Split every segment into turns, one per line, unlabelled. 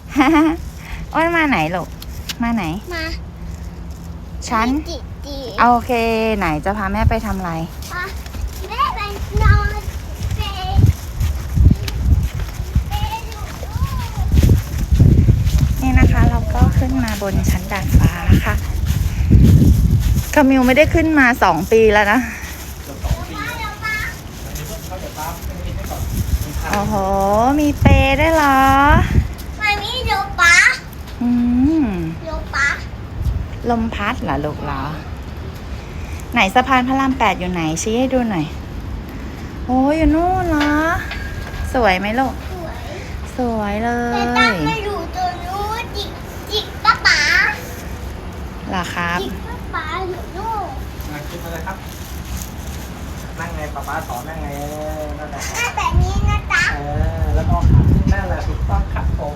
อ้วนมาไหนลูกมาไหน
มา
ฉันโอเคไหนจะพาแม่ไปทำอะไร
แม่ไปนอน
นี่นะคะเราก็ขึ้นมาบนชั้นดาดฟ้าค่ะคามิวไม่ได้ขึ้นมา2 ปีแล้วนะโอ้โหมีเปรย์ด้วยเหรอ
มามีโยป๊าโยป๊า
ลมพัดเหรอลูกเหรอไหนสะพานพระราม8อยู่ไหนชี้ให้ดูหน่อยโอ้ยอยู่นู่นเหรอสวยไหมลูกสวยเล
แต่ตั้งไม่อยู่ตัวนู้นจิกป้าป๋า
เหรอครับ
จิกป้าป๋าอยู่นู่น
ขึ้นมาเลยครับนั่งไงป๊าสอนนั่งไงนั่นแหละ
แบบนี้นะจ๊ะ
แล้วก็ขาขึ้นนั่นแหละถูกต้องครับผม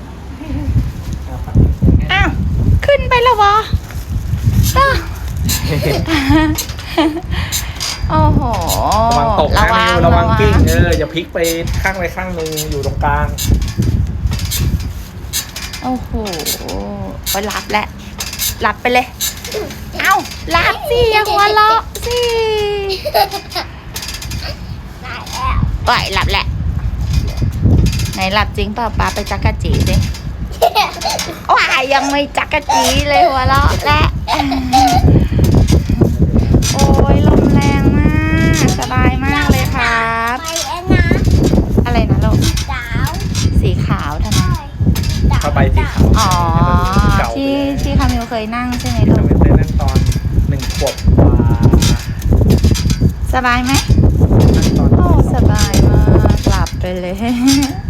อ้าวขึ้นไปแล้ววะโอ้โห
ระวังตกนะระวังกิ้งอย่าพลิกไปข้างใดข้างหนึ่งอยู่ตรงกลาง
โอ้โหไปรับแหละรับไปเลยเอ้ารับสิอย่าหัวเราะสิปล่อยหลับแหละไหนหลับจริงเปล่าป้าไปจักกะจีสิว้ายยังไม่จักกะจีเลยหัวเราะและโอ้ยลมแรงมากสบายมากเลยครับอะไรนะลูกสีขาวทำไม
ผ้าใบสีขาว
อ๋อที่คามิวเคยนั่งใช่ไหมลูก
คามิวเคยนั่งตอน1 ขวบกว่า
สบายไหม
นั่งตอน
โอ้สบายมากหลับไปเลย